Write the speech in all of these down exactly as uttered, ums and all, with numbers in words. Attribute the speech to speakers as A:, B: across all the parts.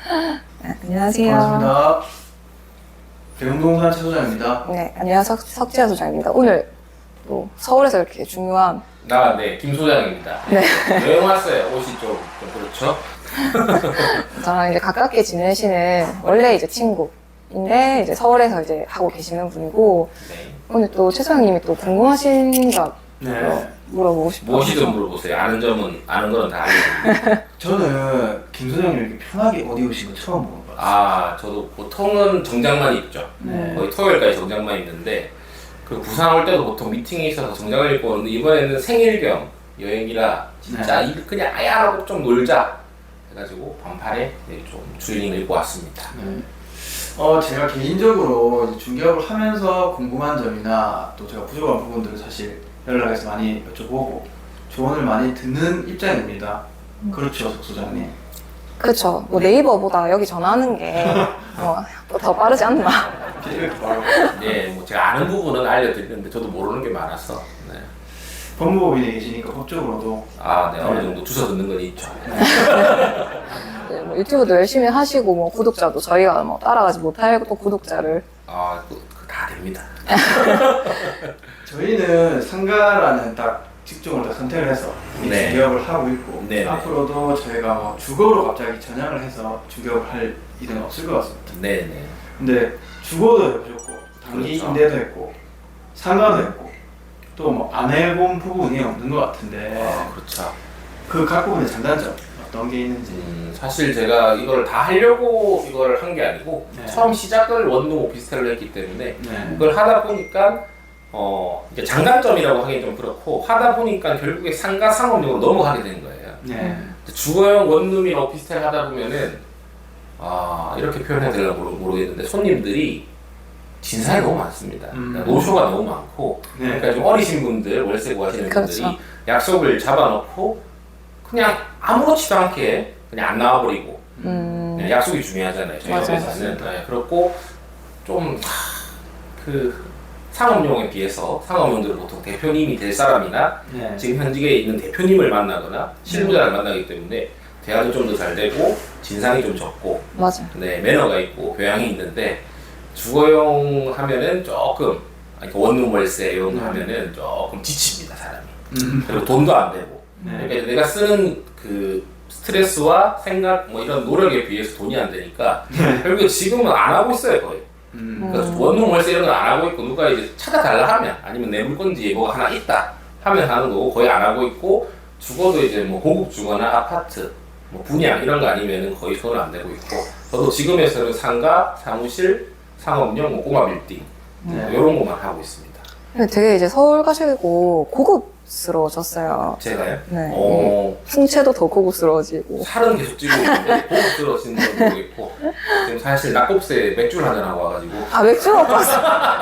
A: 네, 안녕하세요.
B: 반갑습니다. 대웅동산 최 소장입니다.
A: 네, 안녕하세요. 석- 석지아 소장입니다. 오늘 또 서울에서 이렇게 중요한
C: 아, 네, 김 소장입니다.
A: 네.
C: 여행 왔어요. 옷이 좀, 좀 그렇죠?
A: 저랑 이제 가깝게 지내시는 원래 이제 친구인데 이제 서울에서 이제 하고 계시는 분이고
C: 네.
A: 오늘 또 최 소장님이 또 궁금하신 점
B: 네.
A: 물어보고 싶어요.
C: 무엇이든 물어보세요. 아는 점은, 아는 건 다 알려드립니다.
B: 저는 김 소장님 이렇게 편하게 어디 오신 거 처음 보는 것 같아요.
C: 아, 저도 보통은 정장만 입죠.
B: 네.
C: 거의 토요일까지 정장만 입는데, 그 부산 올 때도 보통 미팅이 있어서 정장을 입고 오는데, 이번에는 생일 겸 여행이라, 진짜 이 그냥 아야하고 좀 놀자. 해가지고, 반팔에 네, 좀 추리닝을 입고 왔습니다.
B: 네. 어, 제가 개인적으로 이제 중개업을 하면서 궁금한 점이나 또 제가 부족한 부분들을 사실 연락해서 많이 여쭤보고 조언을 많이 듣는 입장입니다. 그렇죠, 석 소장님.
A: 그렇죠. 뭐 네이버보다 여기 전화하는 게 뭐 더 빠르지 않나.
B: 이렇게 바로
C: 네, 뭐 제가 아는 부분은 알려드리는데, 저도 모르는 게 많아서. 네.
B: 법무법인에 계시니까 법적으로도
C: 아, 네, 어느 정도 주워 듣는 건 있죠.
A: 네, 뭐 유튜브도 열심히 하시고 뭐 구독자도 저희가 뭐 따라가지 못할 또 구독자를
C: 아, 그, 그다 됩니다.
B: 저희는 상가라는 딱 직종을 딱 선택을 해서 이
C: 네.
B: 중개업을 하고 있고
C: 네, 네.
B: 앞으로도 저희가 뭐 주거로 갑자기 전향을 해서 중개업을 할 일은 없을 것 같습니다.
C: 네네.
B: 근데 주거도 해보셨고 단기
C: 그렇죠.
B: 임대도 했고 상가도 했고 또 뭐 안 해본 부분이 없는 것 같은데
C: 아, 그렇죠.
B: 그 각 부분의 장단점 어떤 게 있는지.
C: 음, 사실 제가 이걸 다 하려고 이걸 한 게 아니고,
B: 네.
C: 처음 시작을 원룸 오피스텔로 했기 때문에,
B: 네.
C: 이걸 하다 보니까, 어, 이게 장단점이라고 하긴 좀 그렇고, 하다 보니까 결국에 상가 상업용으로 넘어가게 된 거예요.
B: 네.
C: 주거용 원룸이나 오피스텔 하다 보면은, 아, 이렇게 표현해야 되나 모르- 모르겠는데, 손님들이 진상이 너무 많습니다.
B: 음.
C: 그러니까 노쇼가 너무 많고,
B: 네.
C: 그러니까 좀 어리신 분들, 월세 구하시는
A: 그렇죠.
C: 분들이 약속을 잡아놓고 그냥 아무렇지도 않게 그냥 안 나와버리고,
A: 음,
C: 네, 약속이 중요하잖아요. 저희
A: 맞아요.
C: 회사는. 네, 그렇고 좀 그 상업용에 비해서 상업용들은 보통 대표님이 될 사람이나
B: 네.
C: 지금 현직에 있는 대표님을 만나거나 실무자를 만나기 때문에 대화도 좀 더 잘 되고 진상이 좀 적고,
A: 맞아요.
C: 네, 매너가 있고 교양이 있는데, 주거용 하면은 조금, 아니, 원룸 월세 이런 거
B: 음.
C: 하면은 조금 지칩니다, 사람이.
B: 음.
C: 그리고 돈도 안 되고.
B: 네.
C: 그러니까 내가 쓰는 그 스트레스와 생각 뭐 이런 노력에 비해서 돈이 안 되니까 결국에 지금은 안 하고 있어요, 거의.
B: 음.
C: 그러니까
A: 음.
C: 원룸 월세 이런 건 안 하고 있고, 누가 이제 찾아달라 하면, 아니면 내 물건지에 뭐가 하나 있다 하면 하는 거고, 거의 안 하고 있고, 주거도 이제 뭐 고급 주거나 아파트, 뭐 분양 이런 거 아니면은 거의 손을 안 대고 있고, 저도 지금에서는 상가, 사무실, 상업용, 뭐 꼬마 빌딩
B: 네.
C: 이런 것만 하고 있습니다.
A: 근데 되게 이제 서울 가시고 고급스러워졌어요.
C: 제가요?
A: 네.
C: 어,
A: 풍채도 더 고급스러워지고.
C: 살은 계속 찌고 있는데 고급스러워지는 건 모르겠고, 지금 사실 낙곱새 맥주를 한잔 하고 와가지고.
A: 아, 맥주 먹고 왔어요.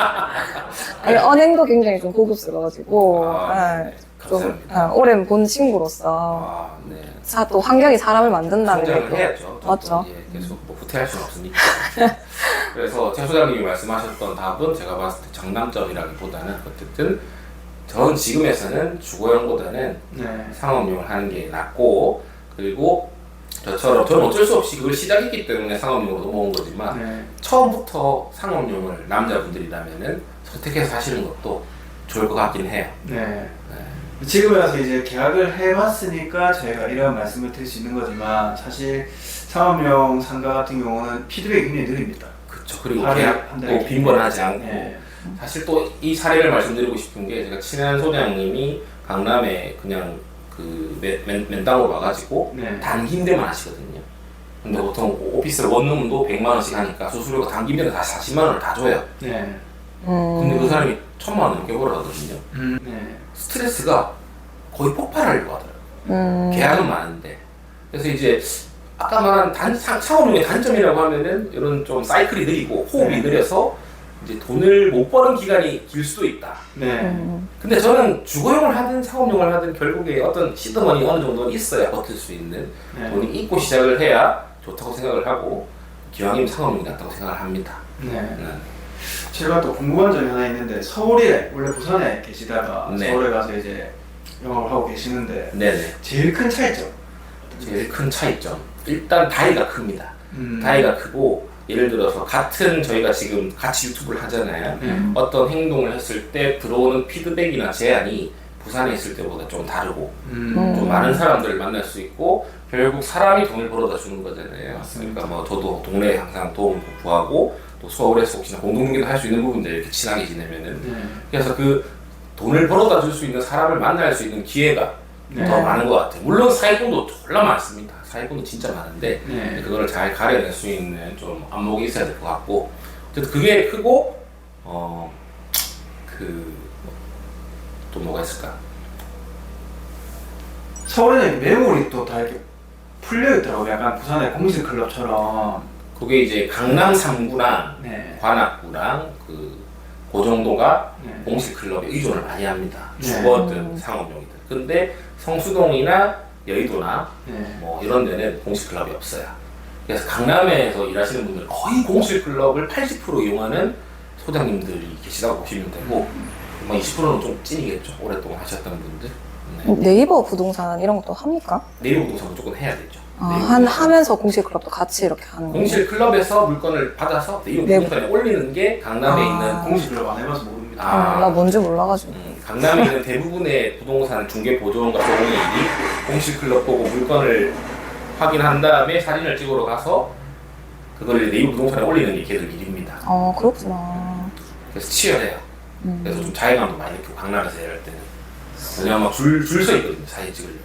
A: 아니, 언행도 굉장히 좀 고급스러워지고.
C: 아,
A: 네.
C: 네.
A: 좀
C: 감사합니다.
A: 아, 오랜 본 친구로서
C: 아, 네.
A: 사, 또 환경이 사람을 만든다는
C: 성장을
A: 게
C: 해야죠. 또,
A: 맞죠.
C: 또, 예, 계속 뭐 후퇴할 수는 없으니까. 그래서 최 소장님이 말씀하셨던 답은 제가 봤을 때 장단점이라기보다는 어쨌든 전 지금에서는 주거용보다는
B: 네.
C: 상업용을 하는 게 낫고, 그리고 저처럼 저는 어쩔 수 없이 그걸 시작했기 때문에 상업용으로 넘어온 거지만,
B: 네.
C: 처음부터 상업용을 남자분들이라면은 선택해서 사시는 것도 좋을 것 같긴 해요.
B: 네.
C: 네.
B: 지금에 와서 이제 계약을 해봤으니까 저희가 이런 말씀을 드릴 수 있는 거지만 사실 상업용 상가 같은 경우는 피드백이 굉장히 느립니다.
C: 그렇죠. 그리고
B: 하루에
C: 계약
B: 한 달에
C: 또 빈번하지 않고,
B: 네.
C: 사실 또 이 사례를 말씀드리고 싶은 게, 제가 친한 소장님이 강남에 그냥 그 맨, 맨, 맨땅으로 와가지고
B: 네.
C: 단기 임대만 하시거든요. 근데 보통 오피스텔 원룸도 백만 원씩 하니까 수수료가 단기 임대는 다 사십만 원을 다 줘요.
B: 네.
A: 음,
C: 근데 그 사람이 천만 원 넘게 벌어가거든요.
B: 음. 네.
C: 스트레스가 거의 폭발하려고 하더라고요.
A: 음,
C: 계약은 많은데. 그래서 이제 아까 말한 단, 상- 상업용의 단점이라고 하면은 이런 좀 사이클이 느리고 호흡이
B: 네.
C: 느려서 이제 돈을 못 버는 기간이 길 수도 있다.
B: 네.
A: 음,
C: 근데 저는 주거용을 하든 상업용을 하든 결국에 어떤 시드머니 어느 정도는 있어야 버틸 수 있는
B: 네.
C: 돈이 있고 시작을 해야 좋다고 생각을 하고, 기왕이면 상업용이 낫다고 생각을 합니다.
B: 네.
C: 네.
B: 제가 또 궁금한 점이 하나 있는데 서울에 원래 부산에 계시다가
C: 네.
B: 서울에 가서 이제 영업을 하고 계시는데
C: 네네.
B: 제일 큰 차이점.
C: 제일 큰 차이점. 일단 다이가 큽니다.
B: 음.
C: 다이가 크고 예를 들어서 같은 저희가 지금 같이 유튜브를 하잖아요.
B: 네.
C: 어떤 행동을 했을 때 들어오는 피드백이나 제안이 부산에 있을 때보다 좀 다르고
B: 음.
C: 좀 많은 사람들을 만날 수 있고 결국 사람이 돈을 벌어다 주는 거잖아요.
B: 맞습니다.
C: 그러니까 뭐 저도 동네에 항상 도움 구하고 또 서울에서 혹시나 공동경제도 할 수 있는 부분들 이렇게 친하게 지내면은
B: 네.
C: 그래서 그 돈을 벌어다 줄 수 있는 사람을 만날 수 있는 기회가
B: 네.
C: 더 많은 것 같아요. 물론 사기꾼도 졸라 많습니다. 사기꾼도 진짜 많은데
B: 네.
C: 그거를 잘 가려낼 수 있는 좀 안목이 있어야 될 것 같고 어쨌든 그게 크고 어 그 또 뭐가 있을까?
B: 서울에는 매물이 또 다 이렇게 풀려 있더라고요. 약간 부산의 공식 클럽처럼.
C: 그게 이제 강남 삼 구랑
B: 네.
C: 관악구랑 그, 그 정도가
B: 네.
C: 공식 클럽에 의존을 많이 합니다.
B: 네.
C: 주거든
A: 음.
C: 상업용이든. 근데 성수동이나 여의도나
B: 네.
C: 뭐 이런 데는 공식 클럽이 없어요. 그래서 강남에서 일하시는 분들 거의 공식 클럽을 팔십 퍼센트 이용하는 소장님들이 계시다고 보시면 되고 뭐 이십 퍼센트는 좀 찐이겠죠. 오랫동안 하셨던 분들. 네.
A: 네이버 부동산 이런 것도 합니까?
C: 네이버 부동산 무조건 해야 되죠.
A: 아,
C: 네이버
A: 한
C: 부동산.
A: 하면서 공식 클럽도 같이 이렇게 하는 거예요?
C: 공실 클럽에서 물건을 받아서 네이버
A: 네.
C: 부동산에 올리는 게 강남에
A: 아.
C: 있는
B: 공식 클럽 안 해봐서 모릅니다.
C: 아.
A: 어, 나 뭔지 몰라가지고.
C: 음, 강남에 있는 대부분의 부동산 중개 보조원과 조공인이 공실 클럽 보고 물건을 확인한 다음에 사진을 찍으러 가서 그걸 네이버 부동산에 올리는 게 걔들 일입니다.
A: 어, 그렇구나.
C: 그래서 치열해요.
A: 음.
C: 그래서 좀 자괴감도 많이 느끼고 강남에서 일할 때는 왜냐면 막줄줄 서 있거든요. 사진 찍으려고.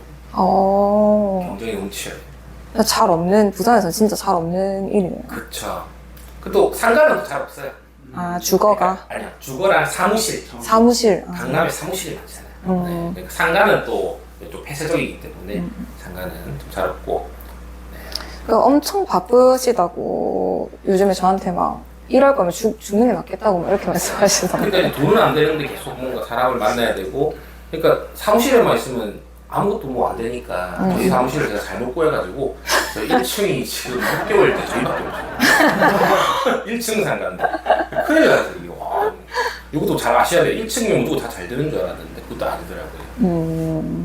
A: 어,
C: 경쟁이 너무 치열해요.
A: 잘 없는, 부산에서는 진짜 잘 없는 일이네요.
C: 그쵸. 그또 상가는 또 잘 없어요.
A: 아, 주거가?
C: 아니야. 주거랑 사무실.
A: 사무실. 아.
C: 강남에 사무실이 많잖아요.
A: 음.
C: 네. 그러니까 상가는 또 좀 폐쇄적이기 때문에
A: 음.
C: 상가는 좀 잘 없고.
A: 그 엄청 바쁘시다고 요즘에 저한테 막 이럴 거면 죽, 죽는 게 낫겠다고 막 이렇게 말씀하시던데.
C: 그러니까 돈은 안 되는데 계속 뭔가 사람을 만나야 되고. 그러니까 사무실에만 있으면 아무것도 뭐 안 되니까
A: 음.
C: 저희 사무실을 제가 잘못 구해가지고 저희 일 층이 지금 육 개월 때 저희밖에 없어요. 일 층 상가인데 큰일 났어요. 이거. 와, 이것도 잘 아셔야 돼요. 일 층이면 누구 다 잘 되는 줄 알았는데 그것도 아니더라고요.
A: 음.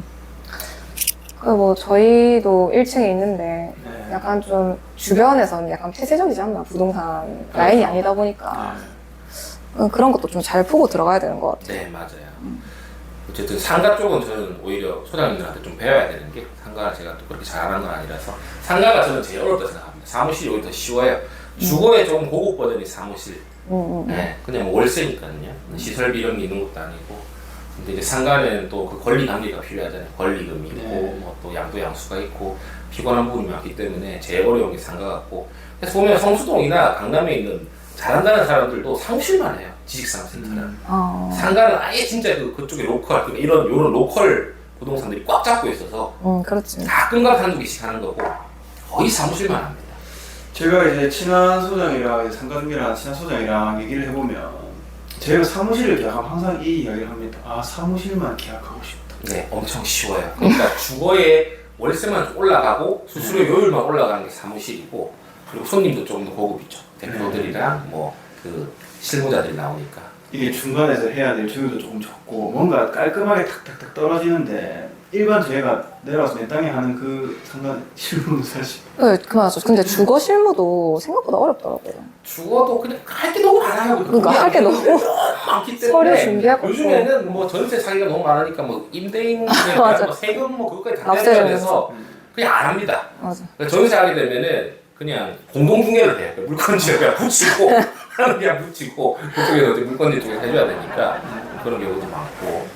A: 그 뭐 저희도 일 층에 있는데
B: 네.
A: 약간 좀 주변에서는 약간 폐쇄적이지 않나? 부동산 라인이 아니다 보니까
B: 아,
A: 어, 그런 것도 좀 잘 보고 들어가야 되는 것 같아요.
C: 네, 맞아요. 어쨌든 상가 쪽은 저는 오히려 소장님들한테 좀 배워야 되는 게 상가를 제가 또 그렇게 잘하는 건 아니라서 상가가 저는 제일 어렵다고 생각합니다. 사무실이 오히려 더 쉬워요. 주거의 좀 고급 버전이 사무실.
A: 음, 음, 음.
C: 네, 그냥 뭐 월세니까요. 시설비 이런 게 있는 것도 아니고. 근데 이제 상가는 또 그 권리 관계가 필요하잖아요. 권리금이 있고,
B: 네.
C: 뭐 또 양도 양수가 있고, 피곤한 부분이 많기 때문에 제일 어려운 게 상가 같고. 그래서 보면 성수동이나 강남에 있는 잘한다는 사람들도 사무실만 해요. 지식산업센터는.
B: 음.
A: 어,
C: 상가는 아예 진짜 그, 그쪽에 로컬, 그러니까 이런, 이런 로컬 부동산들이 꽉 잡고 있어서
A: 음, 그렇지.
C: 가끔가다 한두 개씩 하는 거고, 거의 사무실만 합니다.
B: 제가 이제 친한 소장이랑 상가중개랑 친한 소장이랑 얘기를 해보면 제가 사무실을 계약하면 항상 이 이야기를 합니다. 아, 사무실만 계약하고 싶다.
C: 네, 엄청 쉬워요. 그러니까 주거의 월세만 좀 올라가고 수수료율만 올라가는 게 사무실이고 그리고 손님도 조금 더 고급이죠. 대표들이랑 뭐 그 실무자들이 나오니까.
B: 이게 중간에서 해야 될 조율도 조금 적고 뭔가 깔끔하게 탁탁탁 떨어지는데 일반 저희가 내려와서 내 땅에 하는 그 상가 실무는 사실
A: 네, 그 맞아. 근데 주거 실무도 생각보다 어렵더라고요.
C: 주거도 그냥 할 게 너무 많아요.
A: 그러니까 할 게 너무
C: 많기
A: 서류
C: 때문에
A: 준비할 것도
C: 요즘에는 뭐 전세 사기가 너무 많으니까 뭐 임대인에 대한
A: 맞아.
C: 뭐 세금 뭐 그것까지 다
A: 납세를
C: 떼야 돼서 그냥 안 합니다.
A: 맞아.
C: 그러니까 전세하게 되면은 그냥 공동중개를 해요. 물건지를 그냥 붙이고 하는 그냥 붙이고 그쪽에서 이제 물건지 쪽에 해줘야 되니까 그런 경우도 많고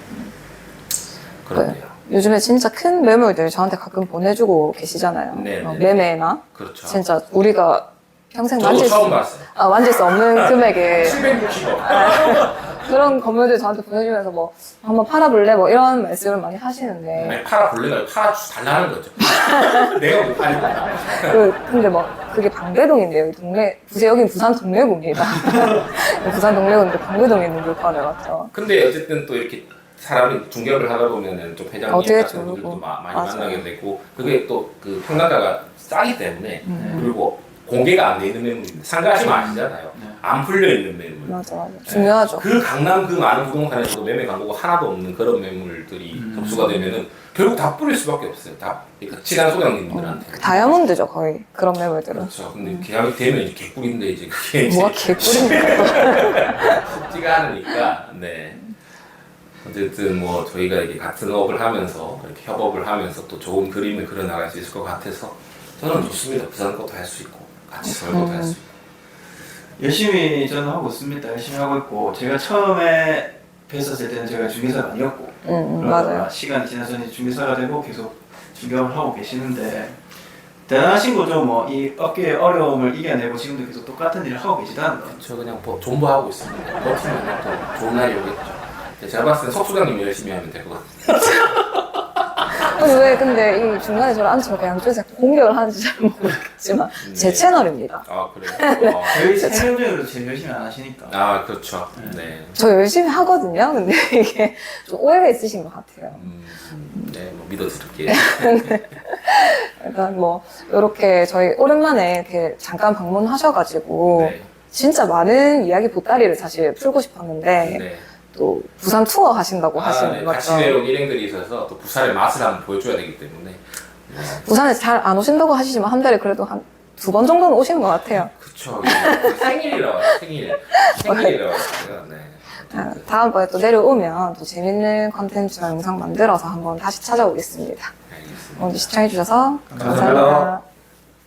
C: 그런데요.
A: 요즘에 진짜 큰 매물들 저한테 가끔 보내주고 계시잖아요.
C: 네,
A: 어,
C: 네.
A: 매매나
C: 그렇죠.
A: 진짜 우리가 평생
C: 저도
A: 만질 수,
C: 처음 봤어요.
A: 아, 만질 수 없는 금액에
C: 칠백육십억.
A: 그런 건물들 저한테 보내주면서 뭐 한번 팔아볼래? 뭐 이런 말씀을 많이 하시는데
C: 아니, 팔아 볼래가 팔아 달라는 거죠. 내가 못 팔리구나.
A: 그, 근데 막 그게 방배동인데요. 이 동네, 부제 여긴 부산 동래구입니다. 부산 동래구인데 방배동에 있는 물건을 맞죠.
C: 근데 어쨌든 또 이렇게 사람이 중개업을 하다 보면은 좀 회장님
A: 어떻게
C: 같은 분들도
A: 모르고.
C: 마- 많이
A: 맞아요.
C: 만나게 되고 그게 또 그 평당가가 싸기 때문에
A: 음.
C: 그리고 공개가 안 돼 있는 매물인데 상가하시면 아시잖아요.
B: 네.
C: 안 풀려 있는 매물.
A: 맞아, 맞아. 중요하죠.
C: 그 강남 그 많은 부동산에서도 매매 광고가 하나도 없는 그런 매물들이
B: 음.
C: 접수가 되면은 결국 다 뿌릴 수밖에 없어요. 다 그러니까 친한 소장님들한테.
A: 다이아몬드죠, 거의. 그런 매물들은.
C: 그렇죠. 근데 계약이 되면 이제 개꿀인데 이제 그게 이제
A: 뭐가 개꿀입니까?
C: 쉽지가 않으니까. 네. 어쨌든 뭐 저희가 이게 같은 업을 하면서 이렇게 협업을 하면서 또 좋은 그림을 그려나갈 수 있을 것 같아서 저는 좋습니다. 부산 것도 할 수 있고 같이 서울 것도 할 수 있고.
B: 열심히 저는 하고 있습니다. 열심히 하고 있고 제가 처음에 뵀었을 때는 제가 중개사가 아니었고
A: 응, 응,
B: 그러다가
A: 맞아요.
B: 시간이 지나서 이제 중개사가 되고 계속 중개업을 하고 계시는데 대단하신 거죠. 뭐 이 업계의 어려움을 이겨내고 지금도 계속 똑같은 일을 하고 계시다는 건.
C: 저 그냥 뭐 존버하고 있습니다. 버티면 또 좋은 날이 오겠죠. 제가 봤을 땐 석 소장님이 열심히 하면 될 것 같아요.
A: 아니, 왜 근데 이 중간에 저를 앉혀서 양쪽에서 공격을 하는지 잘 모르겠지만 제
C: 네.
A: 채널입니다.
C: 아 그래요? 어.
B: 저희 세 명 중에도 제일 열심히 안 하시니까.
C: 아 그렇죠. 네.
A: 저 열심히 하거든요. 근데 이게 좀 오해가 있으신 것 같아요.
C: 음, 네, 뭐 믿어드릴게요.
A: 일단 뭐 이렇게 저희 오랜만에 이렇게 잠깐 방문하셔가지고
C: 네.
A: 진짜 많은 이야기 보따리를 사실 풀고 싶었는데
C: 네.
A: 또 부산 투어 하신다고
C: 아,
A: 하시는
C: 네.
A: 거죠.
C: 같이 내려온 일행들이 있어서 또 부산의 맛을 한번 보여줘야 되기 때문에. 네.
A: 부산에 잘 안 오신다고 하시지만 한 달에 그래도 한 두 번 정도는 오시는 것 같아요.
C: 그쵸. 생일이라 와요. 생일. 생일이라 와요. 제가, 네.
A: 아, 다음번에 또 내려오면 또 재밌는 컨텐츠나 영상 만들어서 한번 다시 찾아오겠습니다.
C: 알겠습니다.
A: 오늘 시청해주셔서
B: 감사합니다.
A: 감사합니다.